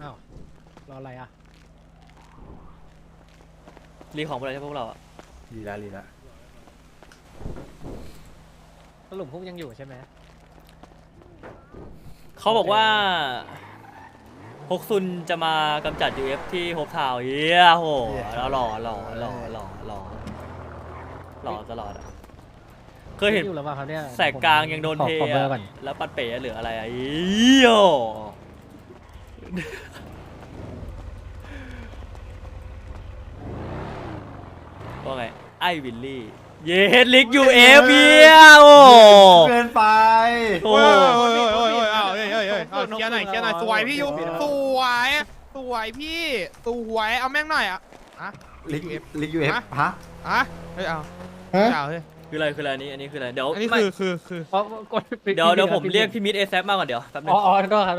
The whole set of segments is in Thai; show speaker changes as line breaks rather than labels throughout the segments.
อ้าวรออะไรอ่ะ
รีของไปเลยใช่พวกเราอะ
ลีละ
สรุปพวกยังอยู่ใช่ไหม
เขาบอกว่าฮกซุนจะมากำจัด UF ที่โฮปทาวน์เฮียโหแล้วหล่อตลอดอะเคยเห็น
อยู่หรือเปล่าครับเนี่ย
แสกกลางยังโดน
ขอ
เท
ขอเบอร์
อะ
ก่อน
แล้วปัดเป๋เหลืออะไรอะอีโยว่าไงไอวิลลี่เยเฮดลิก UF เฮียโอ้
เกินไป
โอ้
โอ้ยเอาเคลียร์หน่อยสวยพี่ยูสวยพี่สวยเอาแม่งหน่อยอ่ะอะ
ลิกยูเอฟฮะ
อะเฮ้ยเอาเฮ้ย
คืออะไรอันนี้คืออะไรเดี๋ยว
อันนี้
ไม่
คือ
อ๋อกดปิ
เดี๋ยว
ปิ
ผมเรียกพี่มิดเอซมาก่อนเดี๋ยวแป๊บนึ
อ๋
ง
อก็ครับ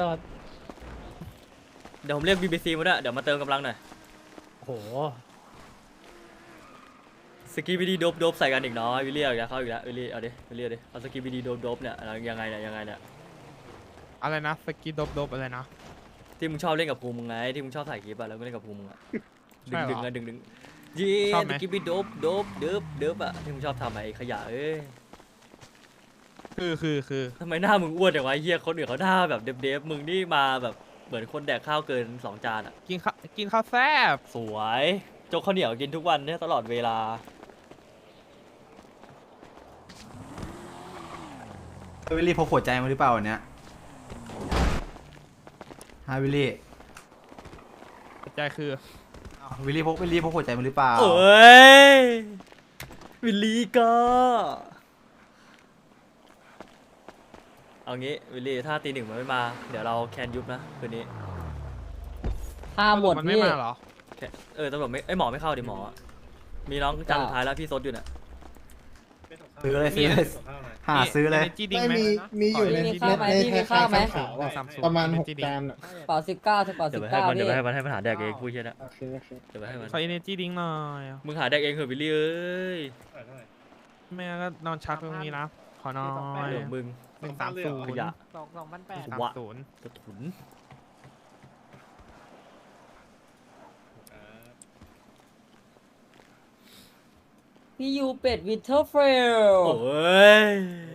เดี๋ยวผมเรียก BBC มาด้วยเดี๋ยวมาเติมกำลังหน่อย
โอ้โห
สกีบีดีโดบใส่กันอีกเนาะวิลเลียมอีกแล้วเข้าอีกแล้ววิลเลียมเอาดิเอาสกีบีดีโดบเนี่ยยังไงเนี่ย
อะไรนะสกีดบอะไรนะ
ที่มึงชอบเล่นกับภูมิมึงไงที่มึงชอบถ่ายคลิปอะแล้วก็เล่นกับภูมิมึงอะ
ใช่เหรอ
ดึงยี
ชอบไหม
สกีบีโดบอะที่มึงชอบทำไอ้ขยะเอ้ย
คือ
ทำไมหน้ามึงอ้วนอย่างวะเฮียคนอื่นเขาหน้าแบบเดฟมึงนี่มาแบบเหมือนคนแดกข้าวเกิน2 จานอะ
กินข้าวแซ่บ
สวยโจ๊กข้าวเหนียวกินทุกวันเนี่ยตลอดเวลา
วิลลี่พกหัวใจมาหรือเปล่าวันเนี้ยฮะวิลลี่
ใจคือ
อ้าววิลลี่พกหัวใจมาหรือเปล่า
เอ้ยวิลลี่ก็เอางี้วิลลี่ถ้าตี 1มันไม่มาเดี๋ยวเราแคนยุบนะคืนนี้
ห้าหมด
มันไม่
พี่
มาเหรอ
ตำรวจไม่หมอไม่เข้าดิหมอมีน้องจานสุดท้ายแล้วพี่ซดอยู่น่ะ
ซื้อเลยหาซื้อเลย
จีดิ้ง
ไม่
ไหม
มีอยู่ใน
มีข้าวไหมพี่มีข้าวไหม
ขาวอะประมาณ6 จานอะ
เป่า19ถึงเป่า
เดี๋ยวไปให้
19
มันเดี๋
พี่
ยวไปให้มันหาแดกเองพูดเช่นนะ
โอเค
เดี๋ยวไปให้มัน
ขอเอเนจีดิ้งหน่อย
มึงหาแดกเองเถอะวิลลี่เอ้ย
แม่ก็นอนชักตรงนี้นะขอนอน
เดี๋ยวมึง
130
ขยะ
2,800
130
กระถุน
พี่ยูเป็ดวิเทอร์เฟล
โอ้ย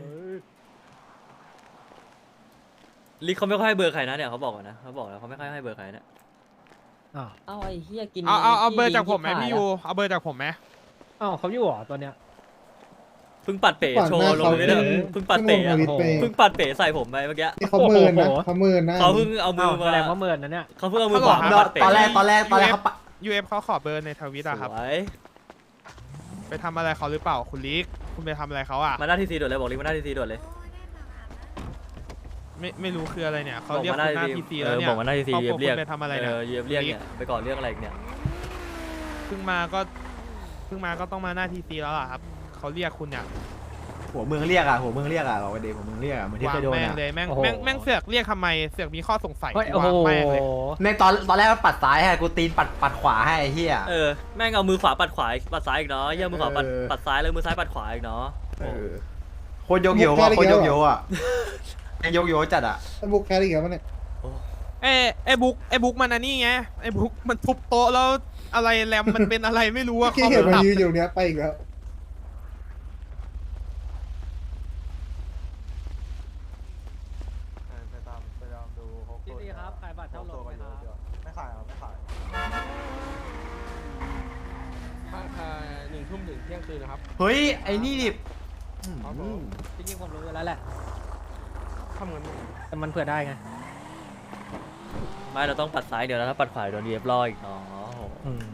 ลิกเขาไม่ค่อยให้เบอร์ใครนะเนี่ยเขาบอกก่อนนะเขาบอกแล้วเขาไม่ค่อยให้เบอร์ใครนะ
อ้าว
เอาไอ้เหี้ยกิน
เอาเบอร์จากผมไหมพี่ยูเอาเบอร์จากผมไหม
อ้าวเขาอยู่เหรอตัวเนี้ย
เพิ่งปัดเป๋โชว์ลงไปเลยเพิ่งปัดเป๋อะ
โอ้โห
เพิ่งปัดเป๋ใส่ผมไปเมื่อกี้
นี่เขาเมินนะเขาเมินนะ
เขาเพิ่งเอามื
อ้า
อ
ว
มา
แสดงว่าเมินนะเนี่ย
เขาเพิ่งเอามือขวามาปัดเป๋
ตอนแรกเขาปะ
UF เขาขอเบอร์ในทวิตอะครับ
สวย
ไปทำอะไรเขาหรือเปล่าคุณลิกคุณไปทำอะไรเขาอะ
มาหน้าทีซีด่วนเลยบอกลิกมาหน้าทีซีด่วนเลย
ไม่รู้คืออะไรเนี่ยเขาเรียก
บอก
คุณหน้า
ที
ทีซีแล้วเนี่ย
บอกมาหน้าทีซี
เขา
เยียบเรียก
คุณไปทำอะไรเนี่ย
เยียบเรียกเนี่ยไปก่อนเรื่องอะไรอีกเนี่ย
เพิ่งมาก็ต้องมาหน้าทีซีแล้วล่ะครับเขาเรียกคุณเนี่ย
หัวเมืองเรียกอ่ะบอกว่าเดย์หัวเมืองเรียกอ่ะเหมือนที่
วาง
เคยโดน
แม่ง
อ่ะ
เลยแม่ง
โอ้โห
แม่งเสือกเรียกทำไมเสือกมีข้อสงสัย
เฮ้ย
กู
โอ้โห
วางแม่งเลย
ในตอนแรกมันปัดซ้ายให้กูตีนปัดขวาให้ไอ้เหี้ย
แม่งเอามือขวาปัดขวาปัดซ้ายอีกเนาะเยี่ยมือขวา
เออ
ปัดซ้ายแล้วมือซ้ายปัดขวาอีกเนาะ
โคตรโยกโย่อะโคตรโยกโย่อะยังโยกโย่จัดอ่ะ
บุกแคร์อีกแล้วมันเนี่ย
ไอ้บุ๊กมันอันนี้ไงไอ้บุ๊กมันทุบโต๊ะแล้วอะไรแรมมันเป็นอะไรไม่รู้อะ
ที่เห็นมันยืนอยู่เนี้ยไปอีกแล้ว
พี่ซีครับขายบัตรเท่าลมไหมครับ
ไม่ขายไม่ขาย
1 ทุ่มถึงเที่ยงคืนนะครับ
เฮ้ยไอ้นี่ดิ
จริงๆผมรู้อยู่แล้วแหละ
ทำเงิน
แต่มันเผื่อได้ไง
ไม่เราต้องปัดซ้ายเดี๋ยวแล้วถ้าปัดขวาโดนเยียบล่ออีกเนาะ
อืม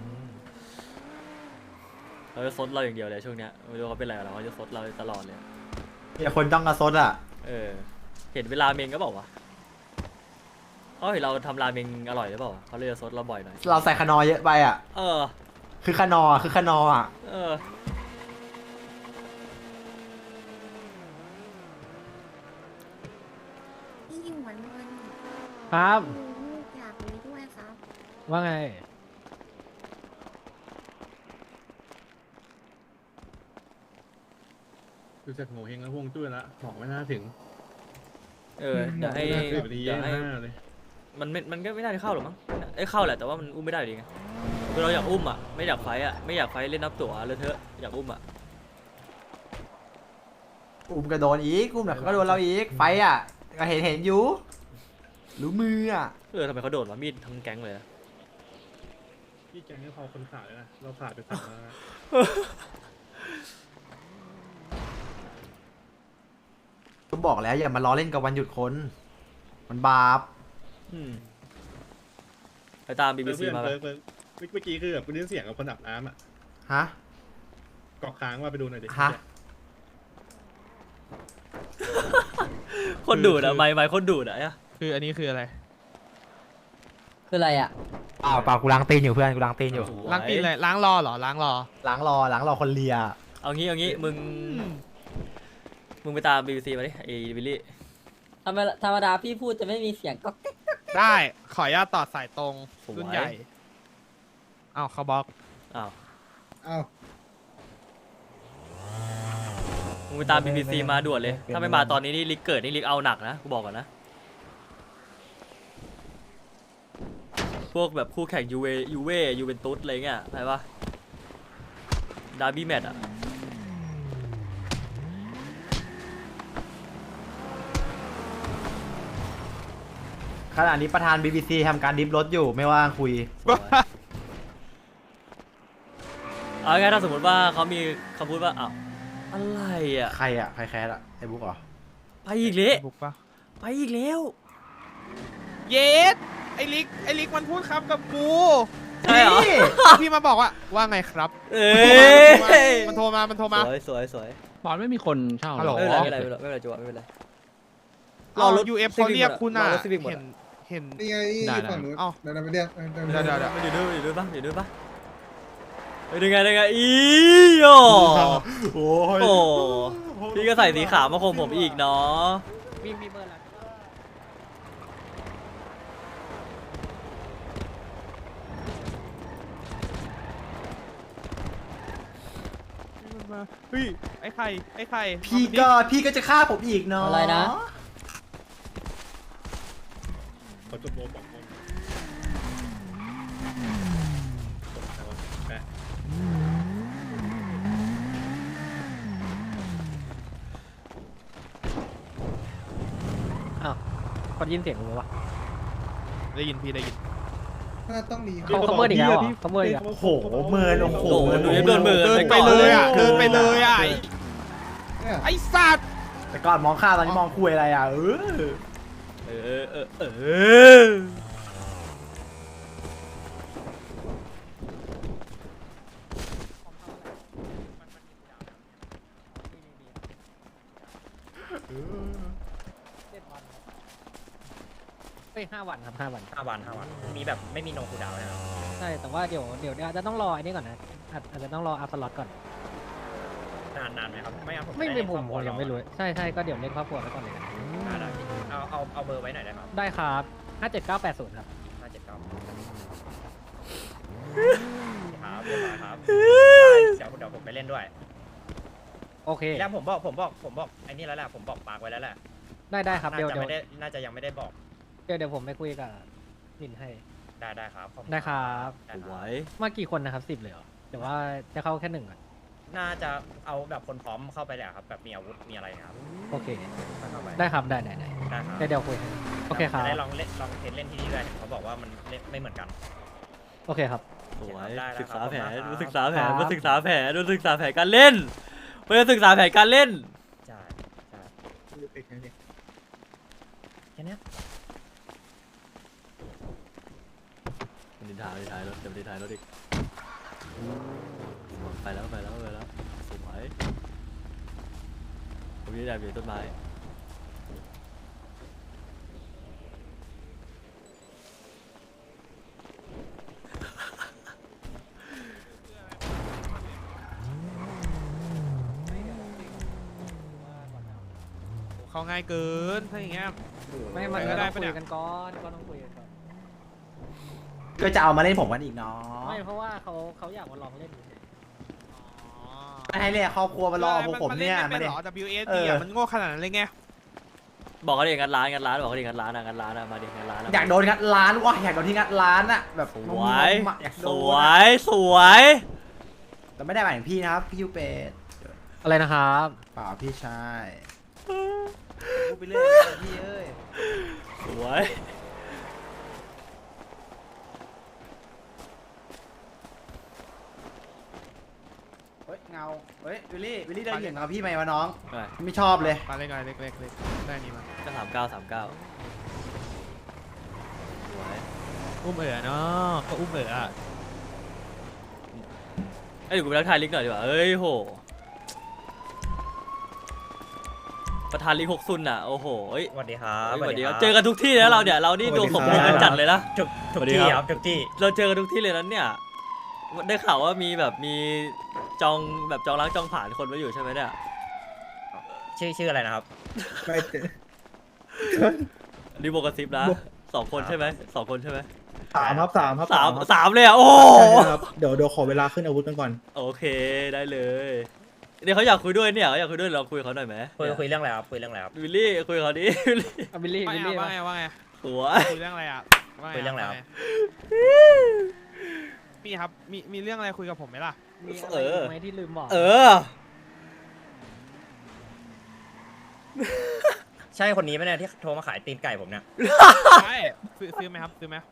เขาจะซดเราอย่างเดียวเลยช่วงเนี้ยไม่รู้เขาเป็นอะไรกับเราเขาจะซดเราตลอดเลย
อย่าคนจ้องกระซดอ่ะ
เห็นเวลาเมงก็บอกว่าเขาเห็นเราทำราเมงอร่อยหรือเปล่าเขาเลยจะซดเราบ่อยหน่อย
เราใส่ขนอเยอะไปอ่ะ คือขนออ่ะ
พี่อยู่เหมือนเงิน
ครับ
ลูกอยากคุยด้วยครับ
ว่าไง
ดูจากโง่เฮงแล้วพวงจุ้ยละหมอกไม่น่าถึง
เดี๋ยวให้
10 นาที
เดี๋ยวให้
5เลย
มันก็ไม่น่าจะเข้าหรอกมั้งเข้าแหละแต่ว่ามันอุ้มไม่ได้อยู่ดีไงคือเราอยากอุ้มอ่ะไม่อยากไฟอ่ะไม่อยากไฟเล่นนับตั๋วเลยเถอะอยากอุ้มอ่ะ
อุ้มก็โดนอีกอุ้มหน่อยก็โดนเราอีกไฟอ่ะก็เห็นอยู่รู้มืออ่ะ
ทำไมเขาโดนวะมีดทั้งแก๊งเลยอะ
พี่แกงให้พอคนขาดเลยนะเราขาดไปสั่งมา
ก็บอกแล้วอย่ามาล้อเล่นกับวันหยุดคนมันบาป
ไปตาม
เพื่
BBC
อน
มา
เมื่อกี้คือแบบกูได้ยินเสียงกับคนอาบน้ำอ่ะ
ฮะ
เกาะค้างว่าไปดูหน่อยดิ
ฮะ
คนดูดอะไม่คนดูดอะ
คืออันนี้คืออะไร
คืออะไรอ่ะ
เปล่ากูล้างตีนอยู่เพื่อนกูล้างตีนอยู่
ล้างตีนเลยล้างรอเหรอล้างรอ
ล้างรอคนเลีย
เอางี้มึงไปตาม BBC มาดิไอ้วิลลี่
ธรรมดาพี่พูดจะไม่มีเสียงก็
ได้ขออนุญาตต่อสายตรง
สวย
รุ่นใหญ่อ้าวเขาบล็อก
อ้าว
เอ้า
มึงไปตาม BBC มาด่วนเลยถ้าไม่มาตอนนี้นี่ลิกเกิดนี่ลิกเอาหนักนะกูบอกก่อนนะพวกแบบคู่แข่งยูเวนตุสอะไรเงี้ยอะไรปะดาร์บี้แมตช์อะ
ขณะนี้ประธาน BBC ทำการดิฟรถอยู่ไม่ว่างคุย
เอาง่ายๆถ้าสมมติว่าเขามีคำพูดว่าอ้าวอะไรอ่ะ
ใครอ่ะใครแคสอ่ะไอ้บุ๊กเหรอ
ไปอีกแล้ว
บุกปะ
ไปอีกแล้ว
เยสไอลิกมันพูดครับกับกู
ใช่เหรอ
พี่มาบอกว่าไงครับ
เอ้ย
มันโทรมา
สวย
บอลไม่มีคนเช่า
ฮัลโหล
ไม่เป็นไรจังหวะไม่เป็นไร
รอรถ UF เขาเรียกคุณอ่ะ
รอรถ Civic หมด
เห็น
นี่ไงอยู่ฝั่งนู้น
เอ้า
เดี๋ยวไปเรียก
เดี๋ยว
อยู่ด้วยปะได้ไงอีโอ
โอ้ย
โอ้พี่ก็ใส่สีขาวมาคมผมอีกเนาะ
มีเบอร์ละ
เฮ้ยไอ้ไข่
พี่ก็จะฆ่าผมอีกเนาะ
อะไรนะ
ขอจบโลบอกคนแปะ
คนยินเสียงมึงวะ
ได้ยินพี่ได้ยิน
ถ้าต้องรี
เขาเมื่ออีกแล้วเหรอเขาเมื่ออีกแล้ว
โอ้โหเมินโอ้โห
โอ้โหดูโดนมือ
เดินไปเลยอ่ะ
เนี่ย
ไอ้สัตว์
แต่ก่อนมองข้าวตอนนี้มองคุยอะไรอ่ะ
เออ
เฮ้ย5 วันครับ5 วัน
5 วันมีแบบไม่มีโนคูดาวนะครับ
ใช่แต่ว่าเดี๋ยวอาจจะต้องรออันนี้ก่อนนะอาจจะต้องรออัพสล็อตก่อน
นานไหมครับไม่งั้นผม
ไม่
ด้
เป็น
ค
ผ
รอบ
ม
ครัว
ยังไม่รู้ใช่ก็เดี๋ยวเล่นครอบครัวไว้ก่อนเลย
ได้เอาเบอร์ไว้หน่อยได้ไหมครับ
ได้ครับ57980ครับ
579ครับเรียบร้อยครับเดี๋ยวผมไปเล่นด้วย
โอเค
แล้วผมบอกไอ้นี่แล้วแหละผมบอกปากไว้แล้วแหละ
ได้ครับเดี๋ยว
น่าจะยังไม่ได้บอก
เดี๋ยวผมไปคุยกับลินให้
ได้ครับขอณ
ได้ครับ
ได้
ส
ครับ
วย
มากี่คนนะครับ10เลยเหรอแต่ว่าจะเข้าแค่1อ่ะ
น่าจะเอาแบบคนพร้อมเข้าไปแหละครับแบบมีอาวุธมีอะไรนะครับ
โอเค
เข้าไป
ได้ครับได้
ได้ครับ
เดี๋ยวคุยให้โอเคครับ
จะได้ลองเทสเล่นที่นี่ด้วยเขาบอกว่ามันเล่นไม่เหมือนกัน
โอเคครับ
สวย
ได้แล้ว
ศึกษาแผน
ครับ
ศึกษาแผนมาศึกษาแผนมาศึกษาแผนการเล่นมาศึกษาแผนการเล่น
ใช่แค่นี้
มันดินท้ายรถจะดินท้ายรถอีกไปแล้วสวยผมยืนแอบอยู่ต้นไม้
เขาง่ายเกินถ้าอย่างเงี้ย
ไม่มัน
ไปก็
ก็
ได้
ต้อง
ปะเนี่
คุย
ย
กันก่อนก็ต้องคุยกันก่อน
ก็จะเอามาเล่นผมกันอีกเนาะ
ไม่เพราะว่าเขาอยากมาลองเล่นเฉย
ไม่ให้เรียกครอบครัวมารอพวกผมเนี่ย
ไม่
ไม่
ได้
ได้
หรอ WSD อ่ะมันโง่ขนาดนั้นเลยไง
บอกเขาดิงัดร้านบอกเขาดิงัดร้านอะมาดิงัดร้านอะ
อยากโดนงัดร้านว่ะอยากโดนที่งัดร้านอะแบบ
สวย
งงๆอะอยากโด
ส
น
ว
อะ
ยสวย
แต่ไม่ได้หมายถึงพี่นะครับพี่ยูเป็ด
อะไรนะครับ
เปล่าพี่ชายพูดไปเรื่อยพี่เอ้ย
สวย
เฮ้ยเงาเฮ้ยวิลลี่เดินเหยียบเงาพี่ไหมวะน้อง
ไป
ไม่ชอบเลย
มาเล็กๆเล็กๆได้นี่มา
ก็39สวย
อุ้มเนาะก็อุ้มอ่ะ
เอ้ยเดี๋ยวกูไปทักทายลิกหน่อยดีกว่าเอ้ยโหประธานลิก6ซุนอ่ะโอ้โหเอ้ย
สวัสดีครับ
สวัสดีครับเจอกันทุกที่นะเราเนี่ยเรานี่ดวงสมพงษ์กันจัดเลยนะ
ทุกที่ครับทุกที่
เราเจอกันทุกที่เลยนั้นเนี่ยได้ข่าวว่ามีแบบมีจองแบบจองล้างจองผ่านคนไว้อยู่ใช่ไหมเนี่ย
ชื่ออะไรนะครับ
ไปเถอะ
รีโบกระซิบนะ2 คนใช่ไหม2 คนใช่ไหม
สามครับ
สามเลยอ่ะโอ้โห
ใช่ครับเดี๋ยวขอเวลาขึ้นอาวุธกันก่อน
โอเคได้เลยเดี๋ยวเขาอยากคุยด้วยเนี่ยเขาอยากคุยด้วยเราคุยกับเขาหน่อยไหม
คุยเรื่องอะไรครับคุยเรื่องอะไรครับ
วิลลี่คุยกับเขาดิ วิลลี่
บิลลี่
ว่าไง
สวย
คุยเรื่องอะไรอ่ะ
คุยเรื่องอะไรครับ
พี่ครับมีเรื่องอะไรคุยกับผมไหมล่ะ
มีอะไรอีกไหมที่ลืมบอก
เออ
ใช่คนนี้ไหมเนี่ยที่โทรมาขายตีนไก่ผมเนี่ย
ใช่ซื้อไหมครับซื้อไหม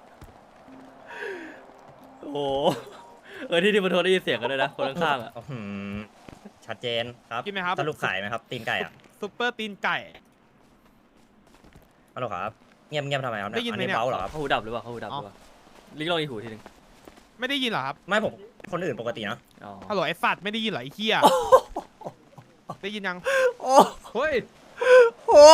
โอ้โหที่มาโทรได้ยินเสียงกันด้วยนะคนข้างๆอ่ะ
อื้อหือชัดเจนครับ
กินไหมครับ
สรุปขายไหมครับตีนไก่อะ
ซุปเปอร์ตีนไก่
ฮัลโหลครับเงียบทำไมครับ
ได้ยินไหมเนี่ย
เบาเหรอครับ
เขาหูดับหรือเปล่าเขาหูดับหรือเปล่าลิงลองอีกหูทีนึง
ไม่ได้ยินเหรอครับ
ไม่ผมคนอื่นปกตินะ
อ๋อ
ฮัลโหลไอ้สัตว์ไม่ได้ยินเหรอไอ้เหี้ยได้ยินยัง
โอ้
เฮ้ย
โห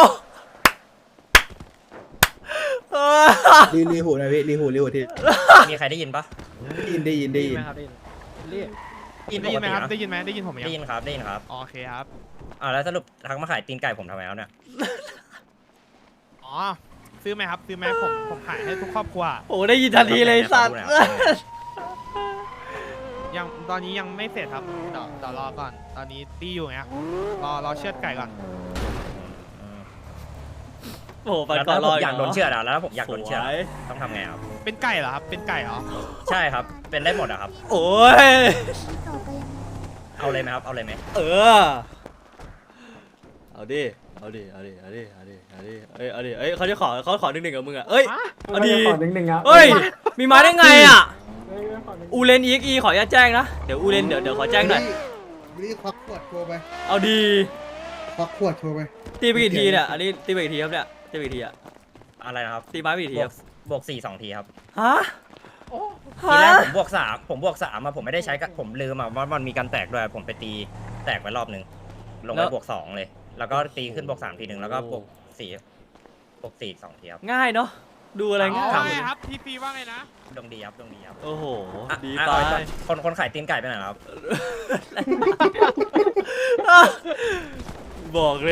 รีหูนะพี่รีหูที่
มีใครได้ยินปะ
ได้ยิน
ได้ยินไหมครับได้ยินบิลลี่
ได้ยินไหมครับ
ปกติ
ได้ยินไหมได้ยินผมไหม
ได้ยินครับได้ยินครับ
โอเคครับ
แล้วสรุปทักมาขายตีนไก่ผมทำไมครับเนี่ย
อ๋อซื้อไหมครับซื้อไหมผมขายให้ทุกครอบครัว
โอ้ได้ยินทันทีเลยสัตว์
ยังตอนนี้ยังไม่เสร็จครับเดี๋ยวรอก่อนตอนนี้ตีอยู่ไงรอเชือดไก่ก่อน
โอ้โหปัน
แล้ว
ก่อน
ถ้าร ผ
อ
ม
อีก
อยากโดนเชือดอะแล้วถ้าผมอยากโดนเชือด
สวย
ต้องทำไงครับ
เป็นไก่เหรอครับเป็นไก่เหรอ
ใช่ครับเป็นได้หมดอะครับ
โอ้ย
ต่อไปยังไง
เอาเลยไหมครับเอาเลยไหม
เออเอาดิเอ้ยเขาจะขอ1-1กับมึงอ่ะเอ้ยเอาดิ
ขอหนึ่งครับ
เอ้ยมีมาได้ไงอ่ะอูเลนEXE ขออนุญาตแจ้งนะเดี๋ยวอูเลนเดี๋ยวขอแจ้งหน่อย
วิลลี่ควักขวดโทรไป
เอาดี
ควักขวดโทรไป
ตีไปกี่ทีเนี่ยอันนี้ตีไปกี่ทีครับเนี่ยตีไปกี่ทีอ่ะ
อะไรนะครับ
ตีไม้ไปกี่ที
บ
คว รั
ก
บบ
วก4 2 ทีครับ
ฮะ
ทีแรกผมบวก3มาผมไม่ได้ใช้กับผมลืมว่ามันมีการแตกด้วยผมไปตีแตกไปรอบนึงลงไปบวก2เลย แล้วก็ตีขึ้นบวก3ทีนึงแล้วก็บวก4อีก2ทีครับ
ง่ายเนาะดูอะไร
อ๋
ง่า
อย ไงครับทีซีว่าไงนะ
ดวงดีครับ
โอ้โหดี
อ่ะ
ไป
คนขายตีนไก่ไปไหนครับ
บอกเลย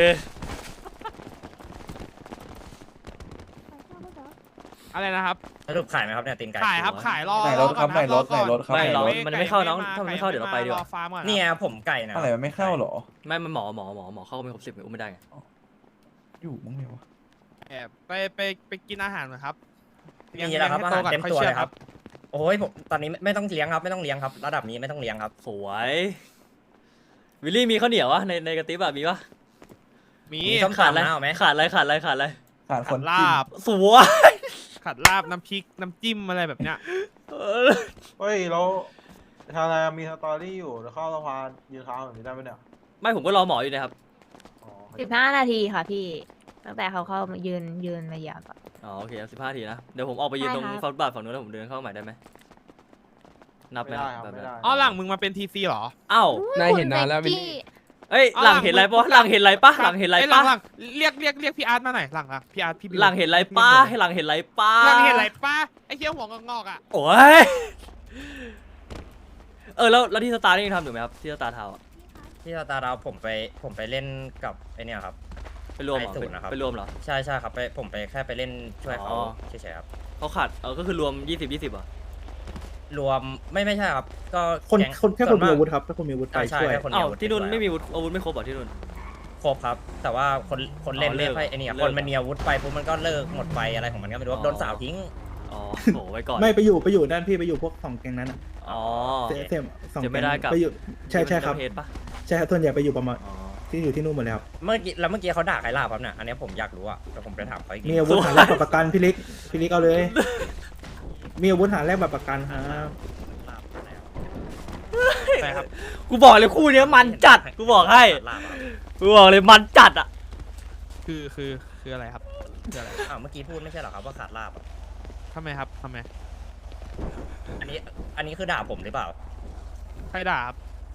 อะไรนะครับ
สรุปขายไหมครับเนี่ยตีนไก่
ขายครับขายรอ
ไหนรถครับ
ก่อ
ไหนรถ
อก่อ
ไหนรถครับ
ไม่เรา
ก่
มันไม่เข้าน้องถ้ามันไม่เข้าเดี๋ยวเราไปดีกว่า
รอฟาร์มก่อน
นี่ไงผมไก่นะ
อะไรมันไม่เข้าเหรอ
ไม่มันหมอเข้าไม่ครบ10อุ้มไม่ได้ไง
อยู่มั้งเนี่ยวะ
แอบไปกินอาหารหน่อยครับ
มีแล้วครับอาหารเต็มตัวเลยครับ
ค่อ
โอ้ยผมตอนนี้ไม่ต้องเลี้ยงครับระดับนี้ไม่ต้องเลี้ยงครับ
สวยวิลลี่มีข้าวเหนียววะในกระติบอะมีปะ
มี
มีส้ม
ขาดอะไร
ตำนะเอาไหม
ขาดอะไร
ขาดค
ขั
น
ด
จิ้ม
ลาบ
สวย
ขัดลาบน้ำพริกน้ำจิ้มอะไรแบบเนี้ย
เฮ้ยเราทางอะไรมีสตอรี่อยู่แล้วเข้าสะพานยืนค้างแบบนี้ได้ไหมเนี่ย
ไม่ผมก็รอหมออยู่นะครับ
อ๋อ
15 นาทีค่ะพี่ ตั้งแต่เขาเข้ามายืนมาเหยาก่อน
อ๋อโอเค15 ทีนะเดี๋ยวผมออกไปยืนตรง
ได้ครับ
ฟุตบาทฝั่งนู้นแล้วผมเดินเข้าใหม่ได้ไหมนับไหม
ไม่ได้
ค
ค
รั
รั
บบ แบบ
ไม่
นั้น
ได้
อ๋อหลังมึงมาเป็นทีซีเหรอ
อ้าว
นายเห็นนานแล้วพี่
เอ้ยหลังเห็นอะไรปะหลังเห็นอะไรปะหลังเห็นอะไร
อ้ย
ปะ
หลังเรียกพี่อาร์ตมาหน่อยหลังพี่อาร์ตพี่บิว
หลังเห็นอะไรปะให้หลังเห็นอะไรปะ
หลังเห็นอะไรป้าไอ้เหี้ยหัวงอกๆอ่ะ
โอ้ยแล้วที่สตาร์นี่ยังทำอยู่ไหมครับที่สตาร์ทาวน์อะ
ที่สตาร์ดาวผมไปเล่นกับไอเนี่ยครับ
ไปรวมเหรอ
ไอ้ศูนย์นะครับ
ไปรวมเหรอ
ใช่ครับผมไปแค่ไปเล่นช่วยเขา
อ๋อ
เฉยๆครับ
เขาขาดก็คือรวม20เหรอ
รวมไม่ใช่ครับ ก็
คน
ก๊ง
แค่คนมี
ส่ว
อาวุธครับถ้าคนมีอาวุธไป
ใช่
ช่วย
แค่คนมี
อ้าว
อาวุธ
ที่นู่น
ปด้วย
ไม่มีอาวุธไม่ครบเหรอที่นู่น
ครบครับ แต่ว่าคนเล่นไม่ค่อยไอ้นี่คนมันมีอาวุธไปปุ๊บมันก็เลิกหมดไฟอะไรของมันก็ไม่รู้โดนสาวทิ้ง
อ๋อโหไว้ก่อน
ไม่ไปอยู่ด้านพี่ไปอยู่พวก2แก๊งนั้นอ่ะ
อ๋อ
เสียสอง
จะไม่
แก๊ง
ได้กับ
ไปอยู่ใช่ครับ
เพจปะ
ใช่ครับส่วนใหญ่ไปอยู่ประมาณ
อ๋อ
ที่อยู่ที่นู่นหมดเลยครับ
เมื่อกี้เขาด่าใครล่าครับเนี่ยอันนี้ผมอยากรู้อะแต่ผมไปถามเขาอีกที
มีอาวุธหาแลกบัตรประกันพี่ลิกเอาเลย มีอาวุธหาแลกบัตรประกันครับ
ใช่ครับ
กูบอกเลยคู่เนี้ยมันจัดกูบอกให้
ล่าครับ
กูบอกเลยมันจัดอ่ะ
คืออะไรครับคืออะไร
อ้าวเมื่อกี้พูดไม่ใช่เหรอครับว่าขาดลาบอะ
ทำไมครับทำไม
อันนี้คือด่าผมหรือเปล่า
ใครด่าครับ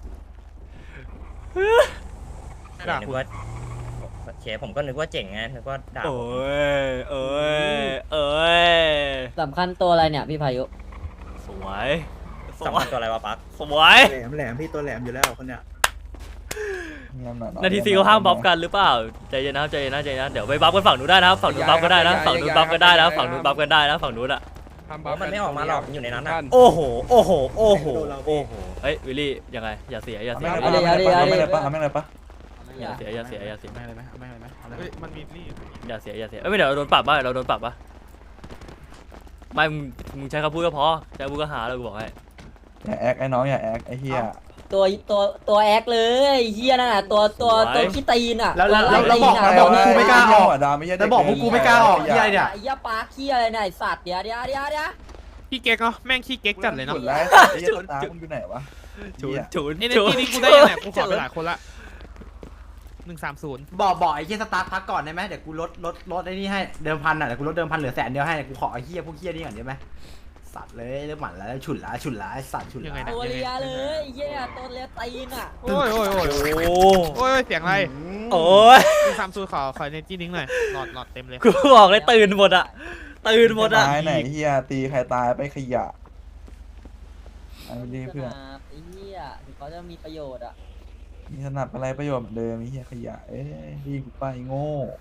ใครด่า
นึ
คุ
ก
ณ
ว่าเคผมก็นึกว่าเจ๋งไงนึกว่าด่าผม
เอ้ย
สำคัญตัวอะไรเนี่ยพี่พายุ
สวยส
สำ
ว
คั
ย
ญตัวอะไรวะปั๊ก
สวย
แหลมพี่ตัวแหลมอยู่แล้วคนเนี้ย
นาทีซีเขาห้ามบัฟกันหรือเปล่าใจเย็นนะใจเย็นนะใจเย็นนะเดี๋ยวไปบัฟกันฝั่งนู้นได้นะครับฝั่งนู้นบัฟก็ได้นะฝั่งนู้นบัฟก็ได้นะฝั่งนู้นบัฟกันได้นะฝั่งนู้นอ่ะ
มันไม่ออกมาหรอกอยู่ในนั้นอะ
โอ้โหเฮ้ยวิลลี่ยังไงอย่าเสียอย่าเสีย
เอาดิเอาดิเอาดิ
อย่าเสียอย่าเสียอย่าเสีย
ไม่เลยไหมไม่เลยไหมเฮ้ยมันมีนี่
อย่าเสียอย่าเสียเอ้ยไม่เดี๋ยวเราโดนปรับป่ะเราโดนปรับป่ะไม่มึงใช้คำพูดก็พอใช้คำพูดก็หาแล้วกูบอกให้
อย่าแอคไอ้น้องอย่าแอคไอ้เหี้ย
ตัวแอคเลยเฮียนั่นน่ะตัวขี้ตีนอ่ะ
แล้ว
ตัวไล่ตีน
บอก
อ่ะ
กูไม่กล้าออก
ดาไม่ใช่
แล้วบอกพวกกูไม่กล้าออกที่ไรเนี่ย
ไอ้เหี้ยปลาขี้อะไรเนี่ยไอ้สัตว์เดี๋ยว
ขี้เก๊กเนาะแม่งขี้เก๊กจัดเลยเนาะ
จุดแล้วไอ้เหี้ยตามึงอยู่ไหนวะ
ฉุน
นี่นี่กูได้ยังไงกูขอไปหลายคนละ130
บอกไอ้เหี้ยสตาร์ทพักก่อนได้ไหมเดี๋ยวกูลดไอ้นี่ให้เดิมพันอ่ะเดี๋ยวกูลดเดิมพันเหลือ100,000ให้กูขอไอ้เหี้ยพวกเหี้ยนี่ก่อนได้ไหมสัตว์เลยเริ่มหมันแล้วฉุนละไอ้สัตว์ฉุน
ยังไง
ละ
นะ
ตัวเลียเลยเฮียตัวเลียตีนอ่ะ
โอ้ยเสียงอะไร
โอ้ย
130ขอเนจี้นิ้งหน่อยหลอดเต็มเลย
กูบอกเลยตื่นหมดอ่ะตื่นหมดอ่ะ
ตายไหนเหี้ยตีใครตายไปขยะไอ้นี่เพื่อน
ไอ้เฮียถึงเขาจะมีประโยชน์อ่ะ
มีถนัดอะไรประโยชน์เหมือนเดิมไอ้เหี้ยขยะเอ้ยดีกูไปโง่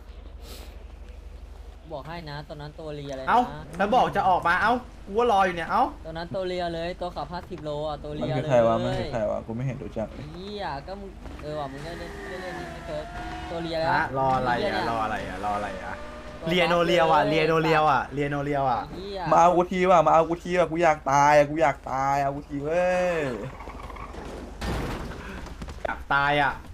บอกให้นะตัวนั้นตัวเลียเลยนะ
เอ้าแล้วบอกจะออกมาเอ้ากูว่ารออยู่เนี่ยเอ้า
ตัวนั้นตัวเลียเลยตัวขับ50 โลอ่ะตัว
มัน
เลีย
คือ
เลย
ใครวะมันคือใครวะกูไม่เห็นรู้จักเลย
เฮียก็มึงว่ะมึงได้เล่นนี่ไม่เคยตัวเลีย
ฮะรออะไรอ่ะรออะไรอ่ะเรียโนเรียวอ่ะ
เฮีย
มาเอากูทีว่ะมาเอากูทีว่ะกูอยากตายอ่ะกูอยากตายเอากูทีเว้ย
อยากตายอ่ะ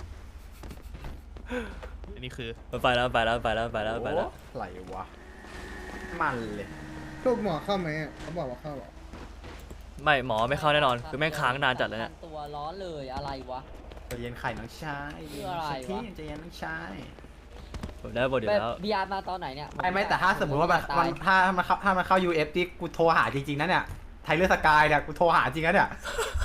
อันนี้คือ
ไปแล้ว
โอ้อะไรวะมันเลย
ทุกหมอเข้าไหมเขาบอกว่าเข้าหรอ
ไม่หมอไม่เข้าแน่นอนคือแม่งค้างนานจัดเลยเนี่ย
ตัวร้อนเลยอะไรวะ
ใจเย็นไข่น้องชาย
เพื่ออะไรวะ
ที่ใจเย็นน้องชาย
ผมได้บทเดียว
แบบ
แล้ว
บีอาร์มาตอนไหนเนี่ย
ไม่แต่ถ้าสมมติว่ามันถ้ามันเข้า UF ที่กูโทรหาจริงๆนะเนี่ยไทเลอร์สกายเนี่ยกูโทรหาจริงนะเนี่ย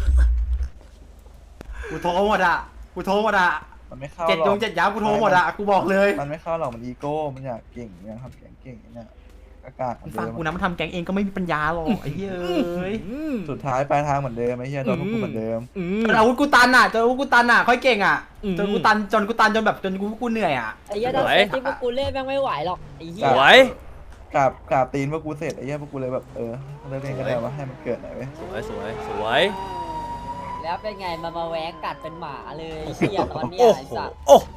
กูโทรหมดอ่ะ
มันไม่เข้าหร
7
อก
7 ย้ำกูโทรหมดอ่ะกูบอกเลย
มันไม่เข้าหรอกมันอีโก้มันอยากเก่งมันอยากทำเก่งเนี่ยอากาศเหมือน
ฟัง
เดิม
กูนะมันทำแก๊งเองก็ไม่มีปัญญาหรอกไอ้เหี้ยเอ้ย
สุดท้ายปลายทางเหมือนเดิมไอ้เหี้ยโดนพวกกูเหมือนเดิม
จนอาวุธกูตันอ่ะค่อยเก่งอ่ะจนกูตันจนแบบจนกูเหนื่อยอ่ะ
ไอ้เหี้ยถ้าเซตที่พวกกูเล่นแม่งไม่ไหวหรอกไอ้เหี้
ส
ย
วย
กราบตีนพวกกูเสร็จไอ้เหี้ยพวกกูเลยแบบเลิกเล่นก็ได้ว่าให้มันเกิดหน่อยเว้ย
สวย
แล้วเป็นไงมาแหวกกัดเป็นหมาเลยเหี้ยตอนเนี้ย
โอ้
ไอ้
โห
สัตว์
โอ้โห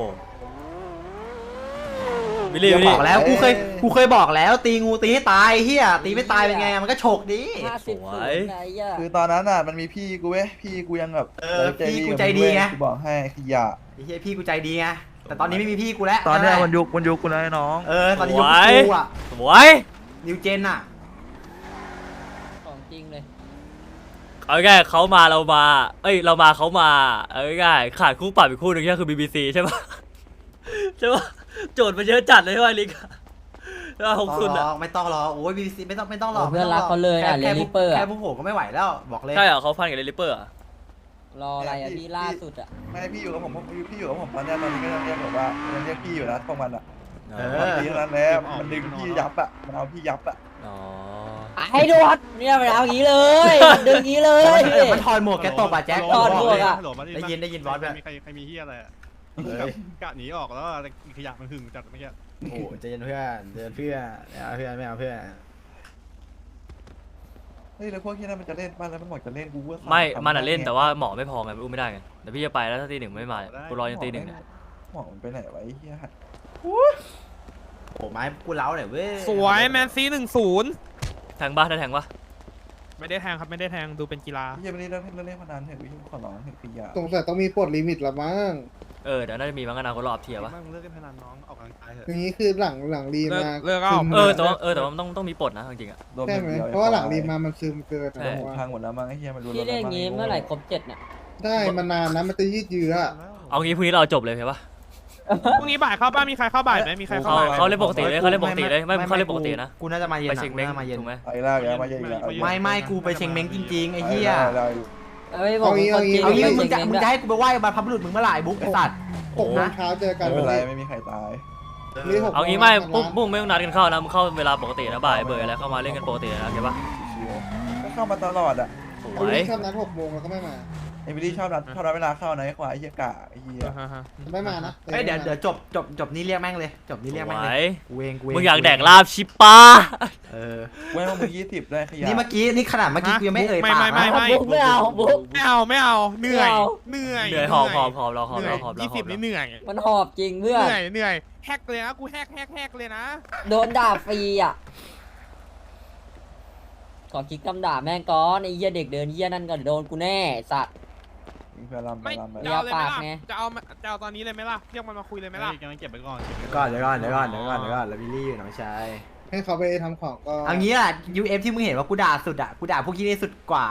วิลลี่
บอกแล้วกูเคยบอกแล้วตีงูตีให้ตายเฮียตีไม่ตายเป็นไงมันก็โฉกดี
50 ไอ้เหี้ย
คือตอนนั้นอ่ะมันมีพี่กูเว้ยพี่กูยังแบบ
พี่กูใจดีไง
กูบอกให้ขยะ
ไอ้เฮียพี่กูใจดีไงแต่ตอนนี้ไม่มีพี่กูแล้ว
ตอนเนี้ยมันยุคกูแล้วไอ้น้อง
ตอนนี้ยุคกูอ่ะ
สวย
นิวเจนอ่ะ
ของจริงเลย
เอาง่ายเขามาเรามาเรามาเขามาเอาง่ายขาดคู่ปรับอีกคู่หนึ่งคือ BBC ใช่ปะใช่ปะโจทย์มันเยอะจัดเลยใช่ปะลิกว่า60อ่ะ
ไม่ต้องหรอกโอ้ยบีบีซีไม่ต้องหรอก
เพื่อนรักเขาเลยอ่ะเรลิเปอร์
แค่พวกผมก็ไม่ไหวแล้วบอกเลย
ใช่เหรอเขาฟันกับเรลิเปอร์อ่ะ
รออะไรอ่ะพี่ล่าสุดอ่ะ
ไม่พี่อยู่กับผมพี่อยู่กับผมตอนเนี้ยตอนนี้ก็ยังเรียกแบบว่ายังเรียกพี่อยู่นะพวกมันอ่ะมันตีนั้นแล้วมันดึงพี่ยับอ่ะมันเอาพี่ยับอ่ะ
อ๋อ
ให้ดูดเนี่ยมันเอาอย่างนี้เลยดึงอย่างนี้เลย
มันถอดหมวกแกตบอ่ะแจ็ค
ถอดหมวกอะ
ได้ยินบอสแบบ
ใครมีเฮียอะไรกะหนีออกแล้วขยะมันหึงจัดเมื่อกี้
โอ้ใจเย็นเพื่อนไม่เอาเพื่อน
เฮ้ยแล้วพวกที่นั่นมันจะเล่นบ้านแล้วมันบอกจะเล่นกูว่า
ไม่มันอ่ะเล่นแต่ว่าหมอไม่พอไงอุ้มไม่ได้ไงแต่พี่จะไปแล้วถ้าตี 1ไม่มากูรอยันตี 1เนี่ย
หมอมันไปไหนวะไอ้เหี้ย
โอ้ไม้กูเล้าหน่อยเว้ย
สวยแมนซี1-0
แทงปะได้แทงปะ
ไม่ได้แทงครับไม่ได้แทงดูเป็นกีฬา
เหี้ยไม่ได้เล่นพนันเถอะพี่ขอร้องเถอะพี่ยา
สงสัยต้องมีปลดลิมิตละมั้ง
เออเดี๋ยวน่าจะมีบางนาคนรอบเทียร์ปะ
มึงเลิกเล่นพนันน้องออกกำลังกายเถอะ
อย่างนี้คือหลังรีมา
เลิกเอา
ซึม
แต่ว่ามันต้องมีปลดนะจริงๆอะ
โดน
ใช่
อย่
ไหม
ดียว
เพราะว่าหลังรีมามันซึมเกิน
ใช่
นะผมว่า
พังหมดแล้วมั้งไอ้เหี้ยมันรู้
พี่เรียกงี้เมื่อไหร่ครบ7เนี่ย
ได้มันนานนะมันจะยืดเยื้อ
เอางี้พรุ่งนี้เราจบเลยใช่ปะ
พรุ่งนี้บ่ายเข้าบ้านมีใครเข้าบ่ายไหมมีใครเข้าบ่ายไหม
เขาเล่นปกติเลยเขาเล่นปกติเลยไม่เขาเล่นปกตินะ
กูน่าจะมาเย็น
ไป
อะ
เช็ง
กู
เม้ง
น่าจะมาเย็น
ถูกไหม
ไอ้ล่าแกมาเยอะอีกแล้ว
ไม่กูไปเช็งเม้งจริงๆไอ้เหี้ย
ได้
เอ้ยบอกคนจริง
เอางี้
ไม่
มึง
เช็
จะ
ค
มึง
เงิน
จะให้กูไปไหว้บรรพบุรุษมึงเมื่อไหร่บุ๊กไอ้สัตว์
6 โมงเช้าเจอกัน
ไม่เป็นไรไม่มีใครตาย
เอางี้ไม่ปุ้งไม่ต้องนัดกันเข้านะมึงเข้าเวลาปกตินะบ่ายเบอร์อะไรเข้ามาเล่นกันปกตินะเข้าปะ
ชิวๆก็เข้ามาตลอดอ่ะ
ส
เอา
วย
ที่ชอบนัด6 โมงแล้วก็ไม่มา
เอมิลี่ชอบนัดเวลาเข้านะไอ้ควายไอ้เหี้ยกะไอ้เหี้ย
ไม่มานะ
เฮ้ยเดี๋ยวจบนี่เรียกแม่งเลยจบนี่เรียก
ส
แม่ง
ว
เลย
ย
กูเอง
มึงอยากแดกลาบชิปะ
เออ
เว้ยมึง20ได้ขยะ
นี่เมื่อกี้นี่ขนาดเมื่อกี้กูยังไม่เอ่ยปาก
ไม่
นะ
บุ๊กไม่เอาบุ๊ก
ไม่เอาเหนื่อย
เหนื่อยหอบเราหอบ
เหนื่อย
เราหอบเรา
20นี่เหนื่อย
มันหอบจริงเพื่อน
เหนื่อยแฮกเลยนะกูแฮกเลยนะ
โดนด่าฟรีอ่ะขอคิดคำด่าแม่งก่อนไอ้เหี้ยเด็กเดินเหี้ยนั่นก็โดนกูแน่สัตว์
เพื่อนลำไป
ไม่
ลำไป
จะเอาเลยไหม
ปาก
ล่ะ
ไง
จะเอาตอนนี้เลยไหมล่ะเรียกมันมาคุยเลยไหมล่ะ
กำลังเก็บไปก่อน
เดี๋ยวก่อนแล้ววิลลี่อยู่น้องชาย
ให้เขาไปทำของก็
เอางี้อ่ะ UF ที่มึงเห็นว่ากูด่าสุดอ่ะกูด่าพวกที่นี่สุดกว่า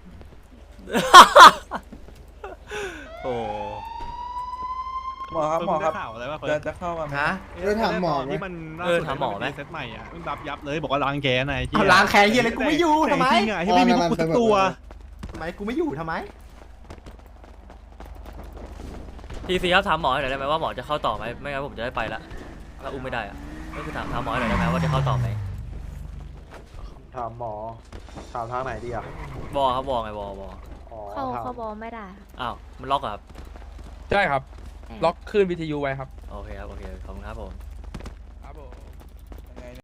โอ้
หมอครับหมอครับ
ข่าวอะไรวะ
จะเข้ามาไหม
ฮะ
ถามหมอไหม
ที่มันเซตใหม่อ่ะมึงยับเลยบอกว่าล้างแกนไอ้
เอาล้างแค้นเฮียเลยกูไม่อยู่ทำไม
จริงอ่ะที่ไม่มีพวกกูสักตัว
ทำไมกูไม่อยู่ทำไม
ทีซีครับถามหมอหน่อยได้ไหมว่าหมอจะเข้าต่อไหมไม่งั้นผมจะได้ไปละถ้าอุ้มไม่ได้อะก็คือถามหมอหน่อยได้ไหมว่าจะเข้าต่อไหม
ถามหมอถามทางไหนดีอ่ะ
วอครับวอไงวอ
เข้าบอลไม่ได้
อ้าวมันล็อกเหรอครับ
ใช่ครับ ล็อกคลื่นวิทยุไว้ครับ
โอเคครับโอเคขอบคุณครับผม